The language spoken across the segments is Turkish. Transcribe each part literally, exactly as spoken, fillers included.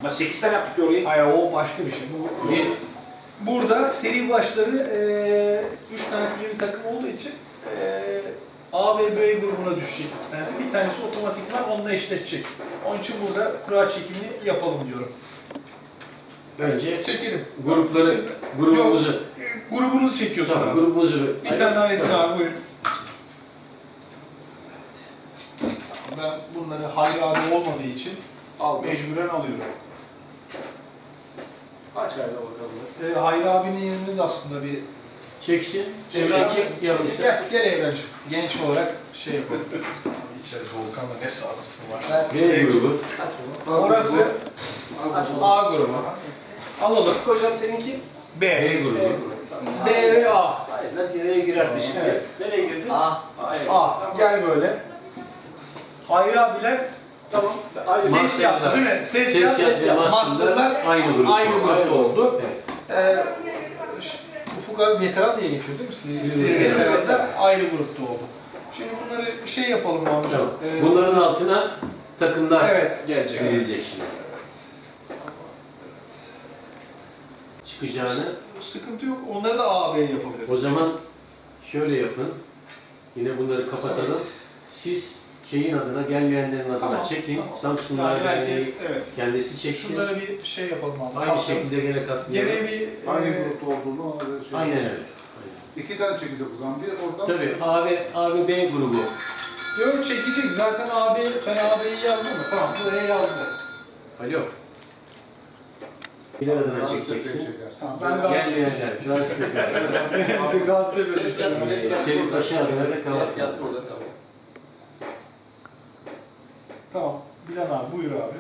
Ama sekiz tane yaptık ya orayı. Hayır, o başka bir şey. Bu, Bir, burada seri başları eee üç tanesi bir takım olduğu için eee A ve B grubuna düşecek iki tanesi. Bir tanesi otomatikman onunla eşleşecek. Onun için burada kura çekimini yapalım diyorum. önce Çekelim. grupları, Siz- grubumuzu. Yok, e, grubunuzu çekiyorsun Tamam, abi. grubumuzu. Bir tane daha Metin abi buyurun. Ben bunları Hayri abi olmadığı için mecburen alıyorum. Aç ayda bakalım. Ee, Hayri abinin yerini de aslında bir Çeksin. şey Evren çek. Yarım Gel, gel Evrenciğim. Genç olarak şey yapalım. Abi içeride Volkan'da ne sağlıklısı var. B grubu. Aç onu. Orası Aç onu. A grubu. Alalım. Hocam seninki? B. B grubu. B ve A. Hayır lan nereye girersin şimdi? Evet. Nereye girdin? A. Hayır. A. Gel böyle. Hayri abiler Tamam. Aynı ses Masterlar. yaptı değil mi? Ses, Ses yaptı. yaptı, masterlar Masterlar aynı grupta. aynı grupta Aynı oldu. Evet. Ee, Ufuk abi veteran diye geçiyor değil mi? Siz, Siz siz veteran. veteranlar ayrı grupta oldu. Şimdi bunları şey yapalım abi. Tamam. Ee, Bunların altına takımlar Evet. gelecek. dizilecek şimdi. Çıkacağını. Sıkıntı yok. Onları da A, B yapabiliriz. O zaman şöyle yapın. Yine bunları kapatalım. Siz şeyin adına, gelmeyenlerin adına Tamam, çekin. tamam. Samsunlar Yani Derneği herkes, evet. kendisi çeksin. Şunlara bir şey yapalım abi. Aynı Kalkalım. şekilde gene katlayalım. Gene bir Aynı e, grupta olduğunu ona göre şey. Aynen öyle. İki tane çekecek o zaman. Bir oradan. Tabii A ve, A ve B grubu. yok çekecek. Zaten A, B, sen A, B'yi yazdın mı? Tamam, buraya yazdı. Alo. Birer adına Daha çekeceksin. sepet çekersin. Tamam, ben gaz- Gelmeyenler, gazeteler. Bize gazete Ses yap, ses yap. Senin başı adına da Ses kalsın. yap burada tamam. Tamam. Bilen abi buyur abi.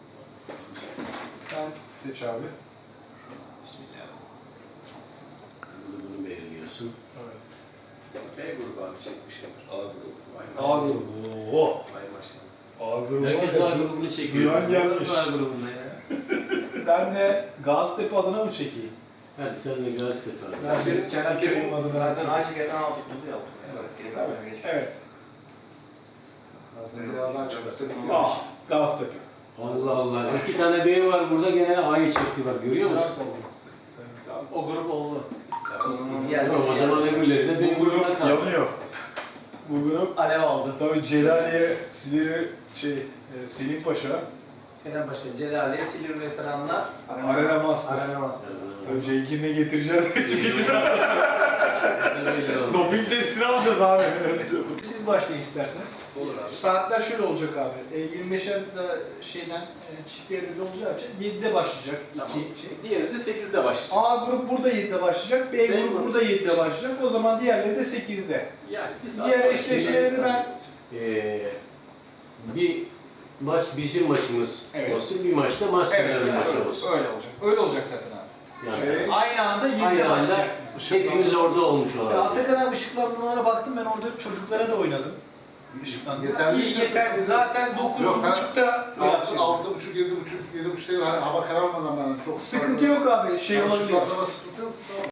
Sen seç abi. Bismillah. Bunu, bunu belirliyorsun. Evet. B grubu abi çekmişler. A grubu. Vay A maşallah. grubu. Oo. Vay maşallah. A grubu. Herkes var A ya. grubunu çekiyor. Güven gelmiş. A grubunda ya. Ben de Gazitepe adına mı çekeyim? Hadi sen de gazete var. Ben de kendi köyüm adına Zaten çekeyim. acil geçen hafta bunu yaptım. Evet. Evet. Evet. Zaten biraz daha çıkarsa bir A. Gazitepe. Allah Allah. İki tane B var burada, gene A'yı çektiler. Görüyor musun? O grup oldu. Tamam, o zaman öbürleri de B Bu grubuna grup kaldı. yanıyor. Bu grup Alev aldı. tabii Celaliye, Silivri, şey, e, Selim Paşa, Senem Paşa, Celaliye, Silivri veteranlar. Arena Master. Arena Master. Tabii Cenk'in ne getireceğini Öyle oldu. doping testini alacağız abi. Siz başlayın isterseniz. Olur abi. Saatler şöyle olacak abi. E, yirmi beşer da şeyden e, çift devreli olacağı için yedide başlayacak. Tamam. İki şey. Diğeri de sekizde başlayacak. A grup burada yedide başlayacak, B, B grup grup. burada yedide başlayacak. O zaman diğerleri de sekizde. Yani biz Diğer eşleşmeleri ben Ee, bir maç bizim maçımız Evet. olsun, bir maçta Masterların evet, maçı öyle, olsun. öyle olacak. Öyle olacak zaten abi. Yani Şey, Aynı anda yedide aynı anda başlayacaksınız. hepimiz orada olmuş Ya olalım. Atakan abi ışıklandırmalara baktım, ben orada çocuklara da oynadım. Yeterli İyi, ise- yeterli. Zaten dokuz Yok, ben- buçukta altı, altı buçuk, yedi buçuk, yedi buçuk değil. Hani hava kararmadan ben çok. sıkıntı yok abi, şey olabilir. Işıklandırma sıkıntı yok. Tamam.